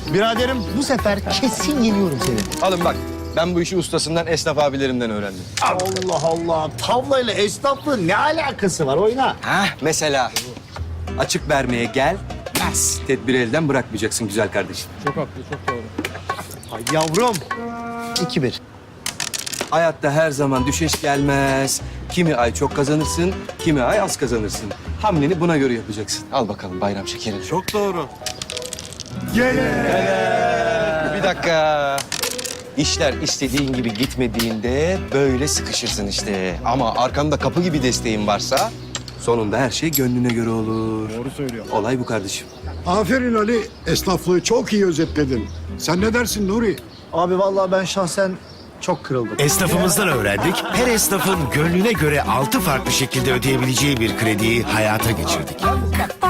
Biraderim bu sefer kesin yeniyorum seni. Alın bak. Ben bu işi ustasından, esnaf abilerimden öğrendim. Allah Allah. Tavlayla esnaflığın ne alakası var? Oyna. Hah, mesela açık vermeye gel. Bas. Tedbiri elden bırakmayacaksın güzel kardeşim. Ay yavrum. 2-1. Hayatta her zaman düşeş gelmez. Kimi ay çok kazanırsın, kimi ay az kazanırsın. Hamleni buna göre yapacaksın. Al bakalım bayram şekerini. Çok doğru. Bir dakika. İşler istediğin gibi gitmediğinde böyle sıkışırsın işte. Ama arkanda kapı gibi desteğin varsa sonunda her şey gönlüne göre olur. Doğru söylüyor. Olay bu kardeşim. Aferin Ali, esnaflığı çok iyi özetledin. Sen ne dersin Nuri? Abi vallahi ben şahsen çok kırıldım. Esnafımızdan öğrendik. Her esnafın gönlüne göre 6 farklı şekilde ödeyebileceği bir krediyi hayata geçirdik.